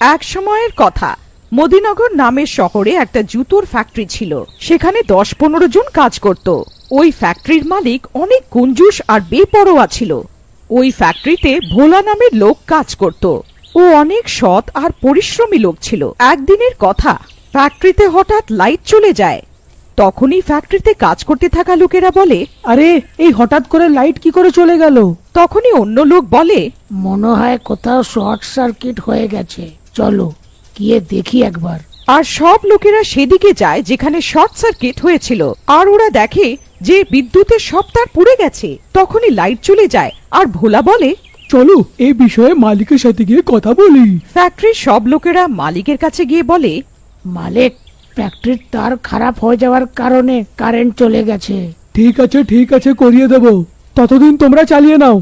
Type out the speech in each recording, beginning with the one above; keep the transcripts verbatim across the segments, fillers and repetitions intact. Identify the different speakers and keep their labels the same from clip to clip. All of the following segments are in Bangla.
Speaker 1: এক সময়ের কথা, মদিনগর নামের শহরে একটা জুতোর ফ্যাক্টরি ছিল। সেখানে দশ পনেরো জন কাজ করত। ওই ফ্যাক্টরির মালিক অনেক কঞ্জুস আর বেপরোয়া ছিল। ওই ফ্যাক্টরিতে ভোলা নামের লোক কাজ করত। ও অনেক সৎ আর পরিশ্রমী লোক ছিল। একদিনের কথা, ফ্যাক্টরিতে হঠাৎ লাইট চলে যায়। তখনই ফ্যাক্টরিতে কাজ করতে থাকা লোকেরা বলে,
Speaker 2: আরে এই হঠাৎ করে লাইট কি করে চলে গেল?
Speaker 1: তখনই অন্য লোক বলে,
Speaker 3: মনে হয় কোথাও শর্ট সার্কিট হয়ে গেছে, চলো গিয়ে দেখি একবার।
Speaker 1: আর সব লোকেরা সেদিকে যায় যেখানে শর্ট সার্কিট হয়েছিল। আর ওরা দেখে যে বিদ্যুতের সব তার পুড়ে গেছে। তখনই লাইট চলে যায় আর ভোলা বলে,
Speaker 2: চলো এই বিষয়ে মালিকের সাথে গিয়ে কথা বলি।
Speaker 1: ফ্যাক্টরির সব লোকেরা মালিকের কাছে গিয়ে বলে,
Speaker 3: মালিক, ফ্যাক্টরির তার খারাপ হয়ে যাওয়ার কারণে কারেন্ট চলে গেছে।
Speaker 2: ঠিক আছে ঠিক আছে করিয়ে দেব, ততদিন তোমরা চালিয়ে নাও।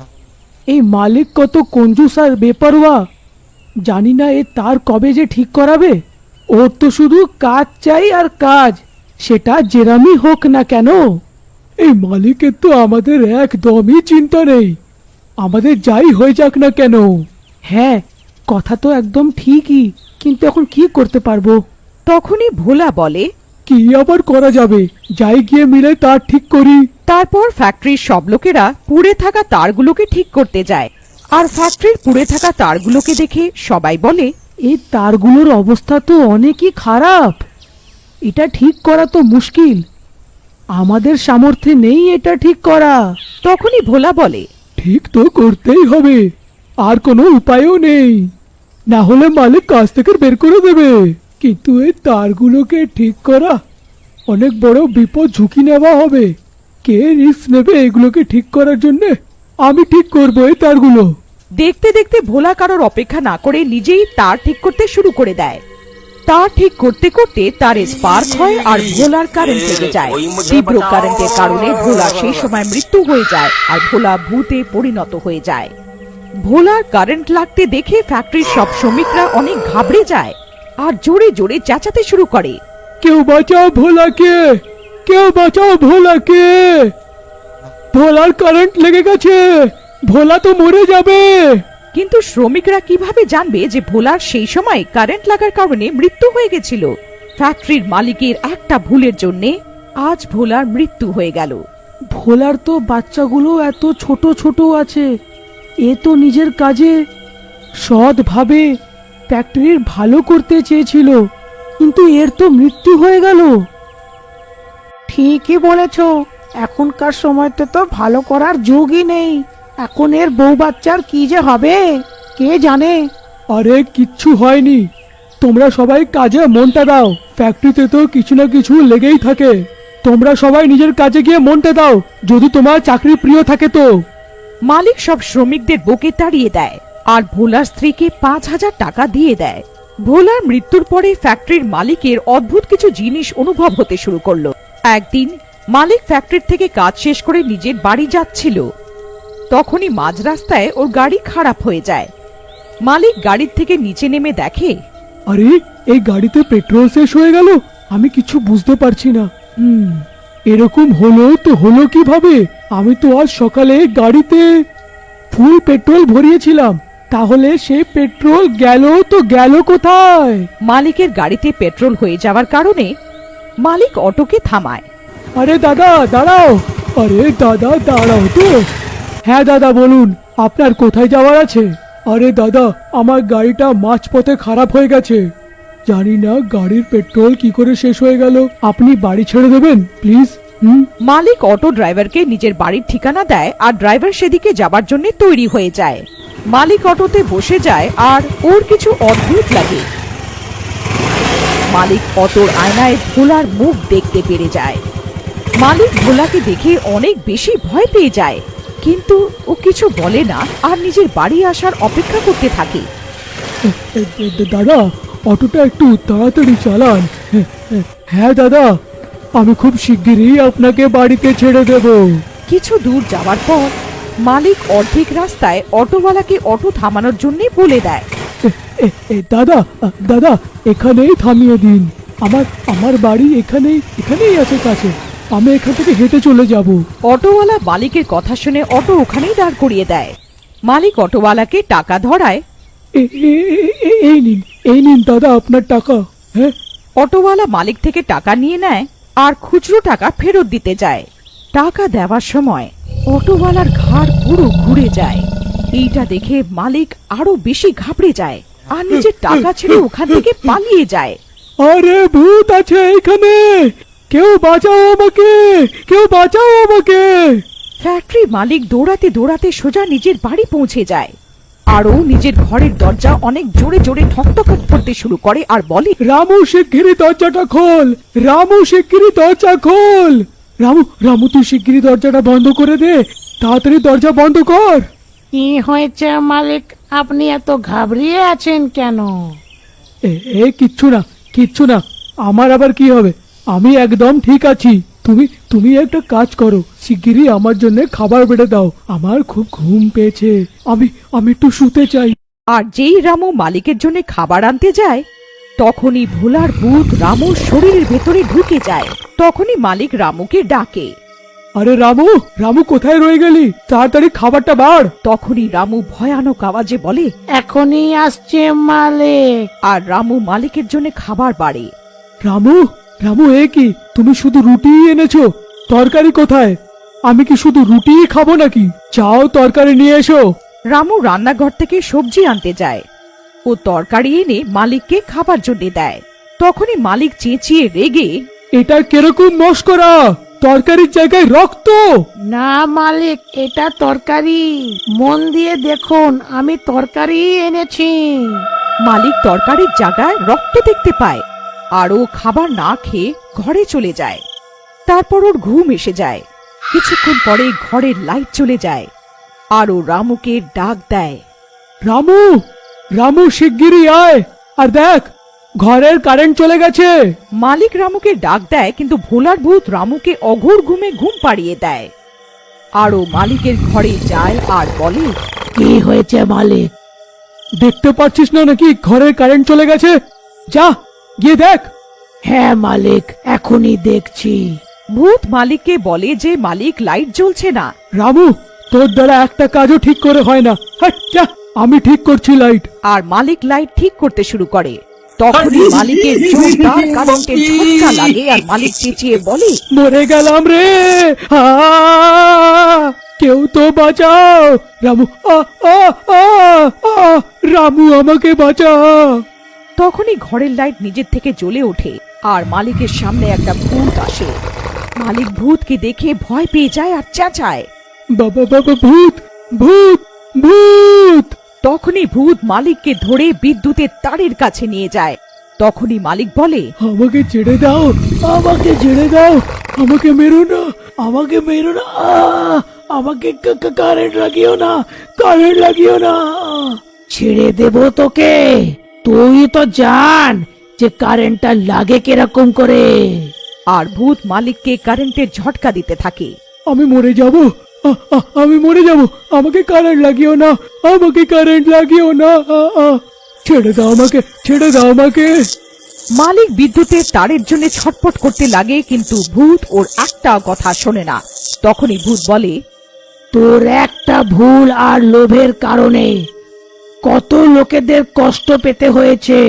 Speaker 2: এই মালিক কত কঞ্জুস আর বেপরোয়া, জানি না এ তার কবে যে ঠিক করাবে। ওর তো শুধু কাজ চাই আর কাজ, সেটা যেরামই হোক না কেন। এই মালিকের তো আমাদের একদমই চিন্তা নেই, আমাদের যাই হয়ে যাক না কেন। হ্যাঁ, কথা তো একদম ঠিকই, কিন্তু এখন কি করতে পারবো?
Speaker 1: তখনই ভোলা বলে,
Speaker 2: কি আবার করা যাবে, যাই গিয়ে মিলে তার ঠিক করি।
Speaker 1: তারপর ফ্যাক্টরির সব লোকেরা পুড়ে থাকা তারগুলোকে ঠিক করতে যায়। আর ফ্যাক্টরির পুড়ে থাকা তারগুলোকে দেখে সবাই বলে,
Speaker 2: এই তারগুলোর অবস্থা তো অনেকই খারাপ, এটা ঠিক করা তো মুশকিল, আমাদের সামর্থ্যে নেই এটা ঠিক করা।
Speaker 1: তখনই ভোলা বলে,
Speaker 2: ঠিক তো করতেই হবে, আর কোনো উপায়ও নেই, না হলে মালিক কাজ থেকে বের করে দেবে। কিন্তু এই তারগুলোকে ঠিক করা অনেক বড় বিপদ, ঝুঁকি নেওয়া হবে। কে রিস্ক নেবে এগুলোকে ঠিক করার জন্য? আমি ঠিক করবো এই তারগুলো।
Speaker 1: দেখতে দেখতে ভোলা কারোর অপেক্ষা না করে নিজেই তার ঠিক করতে শুরু করে দেয়। তার ঠিক করতে করতে তার স্পার্ক হয় আর ভোলার কারেন্ট লেগে যায়। তীব্র কারেন্টের কারণে ভোলা সেই সময় মৃত্যু হয়ে যায় আর ভোলা ভূতে পরিণত হয়ে যায়। ভোলার কারেন্ট লাগতে দেখে ফ্যাক্টরির সব শ্রমিকরা অনেক ঘাবড়ে যায় আর জোরে জোরে চেঁচাতে শুরু করে,
Speaker 2: কেউ বাঁচাও ভোলাকে, কেউ বাঁচাও ভোলাকে, ভোলার কারেন্ট লেগে গেছে, ভোলা তো মরে যাবে।
Speaker 1: কিন্তু শ্রমিকরা কিভাবে জানবে যে ভোলার সেই সময় কারেন্ট লাগার কারণে মৃত্যু হয়ে গেছিল? ফ্যাক্টরির মালিকের একটা ভুলের জন্য আজ ভোলার মৃত্যু হয়ে গেল।
Speaker 2: ভোলার তো বাচ্চাগুলো এত ছোট ছোট আছে, এ তো নিজের কাজে সৎভাবে ফ্যাক্টরির ভালো করতে চেয়েছিল, কিন্তু এর তো মৃত্যু হয়ে গেল।
Speaker 3: ঠিকই বলেছ, এখনকার সময়তে তো ভালো করার যুগই নেই। এখন এর বউ বাচ্চার কি যে হবে কে জানে।
Speaker 2: আরে কিচ্ছু হয়নি, তোমরা সবাই কাজে মনটা দাও, ফ্যাক্টরিতে তো কিছু না কিছু লেগেই থাকে। তোমরা সবাই নিজের কাজে গিয়ে মনটা দাও, যদি তোমার চাকরি প্রিয় থাকে তো।
Speaker 1: মালিক সব শ্রমিকদের বকে তাড়িয়ে দেয় আর ভোলার স্ত্রীকে পাঁচ হাজার টাকা দিয়ে দেয়। ভোলার মৃত্যুর পরে ফ্যাক্টরির মালিকের অদ্ভুত কিছু জিনিস অনুভব হতে শুরু করলো। একদিন মালিক ফ্যাক্টরি থেকে কাজ শেষ করে নিজের বাড়ি যাচ্ছিল। তখনই মাঝ রাস্তায় ওর গাড়ি খারাপ হয়ে যায়। মালিক গাড়ির থেকে নিচে নেমে দেখে,
Speaker 2: আরে এই গাড়িতে পেট্রোল শেষ হয়ে গেল, আমি কিছু বুঝতে পারছি না। হুম এরকম হলো তো হলো কিভাবে? আমি তো আজ সকালে গাড়িতে ফুল পেট্রোল ভরিয়েছিলাম, তাহলে সেই পেট্রোল গেল তো গেল কোথায়?
Speaker 1: মালিকের গাড়িতে পেট্রোল হয়ে যাওয়ার কারণে মালিক অটোকে থামায়।
Speaker 2: আরে দাদা দাঁড়াও, আরে দাদা দাঁড়াও তো। হ্যাঁ দাদা বলুন, আপনার কোথায় যাওয়ার আছে? আরে দাদা, আমার গাড়িটা মাঝপথে খারাপ হয়ে গেছে, জানি না গাড়ির পেট্রোল কি করে শেষ হয়ে গেল, আপনি বাড়ি ছেড়ে দেবেন প্লিজ। হুম
Speaker 1: মালিক অটো ড্রাইভারকে নিজের বাড়ির ঠিকানা দেয় আর ড্রাইভার সেদিকে যাবার জন্য তৈরি হয়ে যায়। মালিক অটোতে বসে যায় আর ওর কিছু অদ্ভুত লাগে। মালিক অটোর আয়নায় ভোলার মুখ দেখতে পেরে যায়। মালিক ভোলাকে দেখে অনেক বেশি ভয় পেয়ে যায়, কিন্তু ও কিছু বলে না আর নিজের বাড়ি আসার অপেক্ষা করতে থাকে।
Speaker 2: দাদা, অটোটা একটু তাড়াতাড়ি চালান। হ্যাঁ দাদা, আমি খুব শিগগিরই আপনাকে বাড়িতে ছেড়ে দেব।
Speaker 1: কিছু দূর যাওয়ার পর মালিক অর্ধেক রাস্তায় অটোওয়ালাকে অটো থামানোর জন্য বলে দেয়,
Speaker 2: দাদা দাদা এখানেই থামিয়ে দিন, আমার আমার বাড়ি এখানেই এখানেই আছে কাছে, আমি এখান থেকে হেঁটে চলে যাব।
Speaker 1: অটোওয়ালা মালিকের কথা শুনে অটো ওখানেই দাঁড় করিয়ে দেয়। মালিক অটোওয়ালাকে টাকা ধরায়
Speaker 2: এ- এ- এ- এ- এই নিন এই নিন দাদা আপনার টাকা। হ্যাঁ,
Speaker 1: অটোওয়ালা মালিক থেকে টাকা নিয়ে নেয় আর খুচরো টাকা ফেরত দিতে যায়। টাকা দেওয়ার সময় অটোওয়ালার ঘাড় পুরো ঘুরে যায়। এইটা দেখে মালিক আরো বেশি ঘাবড়ে যায় আর নিজের টাকা ছেড়ে ওখান থেকে পালিয়ে যায়।
Speaker 2: আরে ভূত আছে এখানে, কেউ বাঁচাও আমাকে, কেউ বাঁচাও আমাকে।
Speaker 1: ফ্যাক্টরি মালিক দৌড়াতে দৌড়াতে সোজা নিজের বাড়ি পৌঁছে যায়। আর ও নিজের ঘরের দরজা অনেক জোরে জোরে ঠকঠক করতে শুরু করে আর বলে,
Speaker 2: রামু শিগগিরই দরজাটা খোল, রামু শিগগিরই দরজা খোল। রামু রামু তুই শিগগিরই দরজাটা বন্ধ করে দে, তাড়াতাড়ি দরজা বন্ধ কর।
Speaker 3: কি হয়েছে মালিক, আপনি এত ঘাবড়িয়ে আছেন কেন?
Speaker 2: এ এ, কিচ্ছু না কিচ্ছু না, আমার আবার কি হবে, আমি একদম ঠিক আছি। তুমি তুমি একটা কাজ করো, শিগগিরই আমার জন্য খাবার বেড়ে দাও, আমার খুব ঘুম পেয়েছে, আমি আমি একটু শুতে চাই।
Speaker 1: আর যেই রামু মালিকের জন্য খাবার আনতে যায় তখনই ভোলার ভূত রামুর শরীরের ভেতরে ঢুকে যায়। তখনই মালিক রামুকে ডাকে।
Speaker 2: আরে রামু, রামু কোথায় রয়ে গেলি, তাড়াতাড়ি খাবারটা বাড়।
Speaker 1: তখনই রামু ভয়ানক আওয়াজে বলে,
Speaker 3: এখনই আসছে মালিক।
Speaker 1: আর রামু মালিকের জন্য খাবার বাড়ে।
Speaker 2: রামু, রামু এ কি, তুমি শুধু রুটিই এনেছো, তরকারি কোথায়? আমি কি শুধু রুটিই খাবো নাকি? যাও তরকারি নিয়ে এসো।
Speaker 1: রামু রান্নাঘর থেকে সবজি আনতে যায় ও তরকারি এনে মালিককে খাবার জন্য দেয়। তখনই মালিক চেঁচিয়ে রেগে,
Speaker 2: এটা কিরকম মস্করা, তরকারির জায়গায় রক্ত।
Speaker 3: না মালিক, এটা তরকারি, মন দিয়ে দেখুন, আমি তরকারি এনেছি।
Speaker 1: মালিক তরকারির জায়গায় রক্ত দেখতে পায় আর ও খাবার না খেয়ে ঘরে চলে যায়। তারপর ওর ঘুম এসে যায়। কিছুক্ষণ পরে ঘরের লাইট চলে যায় আর ও রামুকে ডাক দেয়।
Speaker 2: রামু, রামু শিগগিরই আয়, আর দেখ ঘরের কারেন্ট চলে গেছে।
Speaker 1: মালিক রামুকে ডাক দেয়, কিন্তু ভোলার ভূত রামুকে অঘোর ঘুমে ঘুম পাড়িয়ে দেয়। আর ও মালিকের ঘরে যায় আর বলে,
Speaker 3: কি হয়েছে মালিক?
Speaker 2: দেখতে পাচ্ছিস না নাকি ঘরের কারেন্ট চলে গেছে? যা গিয়ে দেখ।
Speaker 3: হ্যাঁ মালিক, এখনই দেখছি।
Speaker 1: ভূত মালিককে বলে যে মালিক লাইট জ্বলছে না।
Speaker 2: রামু, তোর দ্বারা একটা কাজও ঠিক করে হয় না, হাট, যা, আমি ঠিক করছি লাইট।
Speaker 1: আর মালিক লাইট ঠিক করতে শুরু করে। তখনই মালিকের জোরদার কারেন্টের ঝটকা লাগে আর মালিক চেঁচিয়ে বলে,
Speaker 2: মরে গেলাম রে, আ, কেউ তো বাঁচাও। রামু, আ, আ, আ, আ, রামু আমাকে বাঁচা।
Speaker 1: তখনই ঘরের লাইট নিজের থেকে জ্বলে ওঠে আর মালিকের সামনে একটা ভূত আসে। মালিক ভূতকে দেখে ভয় পেয়ে যায় আর চেঁচায়।
Speaker 2: বাবা বাবা, ভূত ভূত ভূত।
Speaker 1: তখনই ভূত মালিককে ধরে বিদ্যুতের তারের কাছে নিয়ে যায়। তখনই মালিক বলে,
Speaker 2: আমাকে ছেড়ে দাও, আমাকে ছেড়ে দাও, আমাকে মেরো না, আমাকে মেরো না, আ, আমাকে কা- কা- কারেন্ট লাগিও না, কারেন্ট লাগিও না।
Speaker 3: ছেড়ে দেব তোকে, তুই তো জান যে কারেন্টটা লাগে কিরকম করে।
Speaker 1: আর ভূত মালিককে কারেন্টের ঝটকা দিতে থাকে।
Speaker 2: আমি মরে যাব, আ, আ, আমি মরে যাব, আমাকে কারেন্ট লাগিও না, আমাকে কারেন্ট লাগিও না, আ, আ, ছেড়ে দাও আমাকে, ছেড়ে দাও আমাকে।
Speaker 1: মালিক বিদ্যুতের তারের জন্য ছটফট করতে লাগে, কিন্তু ভূত ওর একটা কথা শোনে না। তখনই ভূত বলে,
Speaker 3: তোর একটা ভুল আর লোভের কারণে কত লোকেদের কষ্ট পেতে হয়েছে,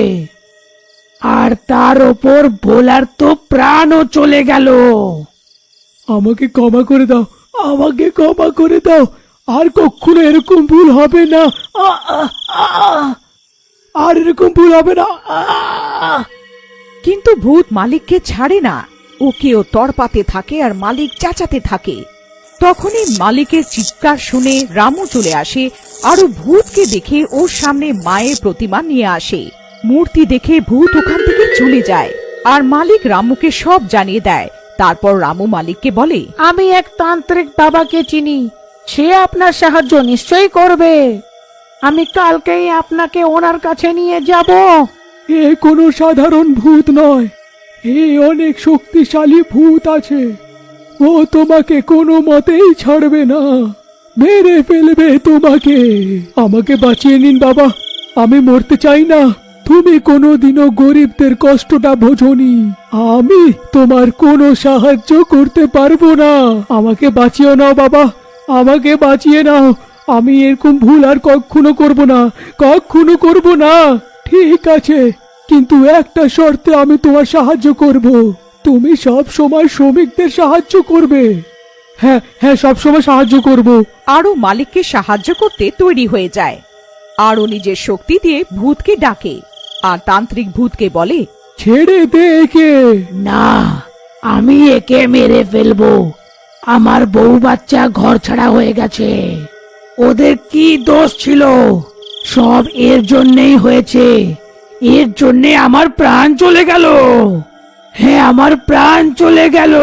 Speaker 3: আর তার ওপর ভোলার তো প্রাণও চলে গেল।
Speaker 2: আমাকে ক্ষমা করে দাও, আমাকে ক্ষমা করে দাও, আর কখনো এরকম ভুল হবে না, আ, আ, আ, আর এরকম ভুল হবে না, আ।
Speaker 1: কিন্তু ভূত মালিককে ছাড়ে না। ওকেও তড়পাতে থাকে আর মালিক চেঁচাতে থাকে। তখনই মালিকের চিৎকার শুনে রামু চলে আসে আর ও ভূতকে দেখে ওর সামনে মায়ের প্রতিমা নিয়ে আসে। মূর্তি দেখে ভূত ওখান থেকে চলে যায় আর মালিক রামুকে সব জানিয়ে দেয়। তারপর রামু মালিককে বলে,
Speaker 3: আমি এক তান্ত্রিক বাবাকে চিনি, সে আপনার সাহায্য নিশ্চয়ই করবে। আমি কালকেই আপনাকে ওনার কাছে নিয়ে যাব।
Speaker 2: এ কোনো সাধারণ ভূত নয়, এ অনেক শক্তিশালী ভূত আছে, ও তোমাকে কোনো মতেই ছাড়বে না, মেরে ফেলবে তোমাকে। আমাকে বাঁচিয়ে নিন বাবা, আমি মরতে চাই না। তুমি কোনোদিনও গরিবদের কষ্টটা বোঝোনি, আমি তোমার কোনো সাহায্য করতে পারবো না। আমাকে বাঁচিয়ে নাও বাবা, আমাকে বাঁচিয়ে নাও, আমি এরকম ভুল আর কখনো করব না, কখনো করব না। ঠিক আছে, কিন্তু একটা শর্তে আমি তোমার সাহায্য করব। তুমি সব সময় শ্রমিকদের সাহায্য করবে। হ্যাঁ হ্যাঁ, সব সময় সাহায্য করব।
Speaker 1: আরও মালিককে সাহায্য করতে তৈরি হয়ে যায়। আরও নিজের শক্তি দিয়ে ভূতকে ডাকে আর তান্ত্রিক ভূতকে বলে,
Speaker 2: ছেড়ে দে একে।
Speaker 3: না, আমি একে মেরে ফেলবো। আমার বউ বাচ্চা ঘর ছাড়া হয়ে গেছে। ওদের কি দোষ ছিল? সব এর জন্যই হয়েছে। এর জন্যে আমার প্রাণ চলে গেল। হ্যাঁ, আমার প্রাণ চলে গেল।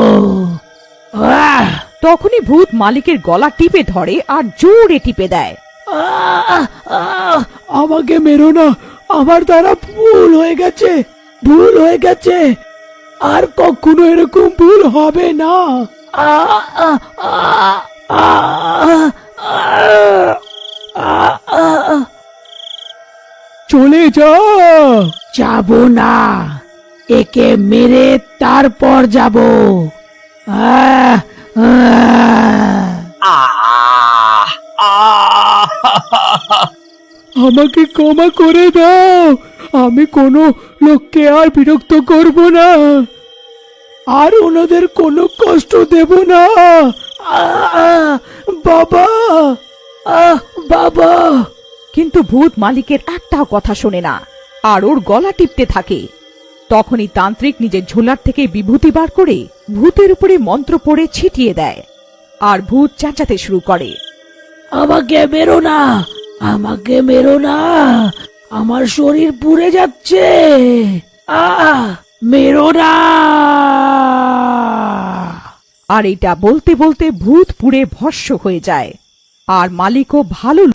Speaker 3: আহ!
Speaker 1: তখনই ভূত মালিকের গলা টিপে ধরে আর জোরে টিপে দেয়।
Speaker 3: আহ! আহ!
Speaker 2: আমাকে মেরো না, আমার দ্বারা ভুল হয়ে গেছে, ভুল হয়ে গেছে। আর কখনো এরকম ভুল হবে না।
Speaker 3: আহ! আহ! আহ! আহ! আহ! আহ!
Speaker 2: চলে যা।
Speaker 3: যাব না, একে মেরে তারপর যাব। আহ! আহ!
Speaker 2: আমাকে ক্ষমা করে দাও, আমি কোনো লোককে আর বিরক্ত করব না, আর ওনাদের কোনো কষ্ট দেব না।
Speaker 3: আহ! বাবা, আহ! বাবা।
Speaker 1: কিন্তু ভূত মালিকের একটাও কথা শোনে না আর ওর গলা টিপতে থাকে। তখনই তান্ত্রিক নিজের ঝোলার থেকে বিভূতি বার করে ভূতের উপরে মন্ত্র পড়ে ছিটিয়ে দেয় আর ভূত চেঁচাতে শুরু করে।
Speaker 3: আমাকে মেরো না, আমাকে মেরো না, আমার শরীর পুড়ে যাচ্ছে। আহ! মেরো না।
Speaker 1: আর এটা বলতে বলতে ভূত পুড়ে ভস্ম হয়ে যায় আর মালিকও ভালো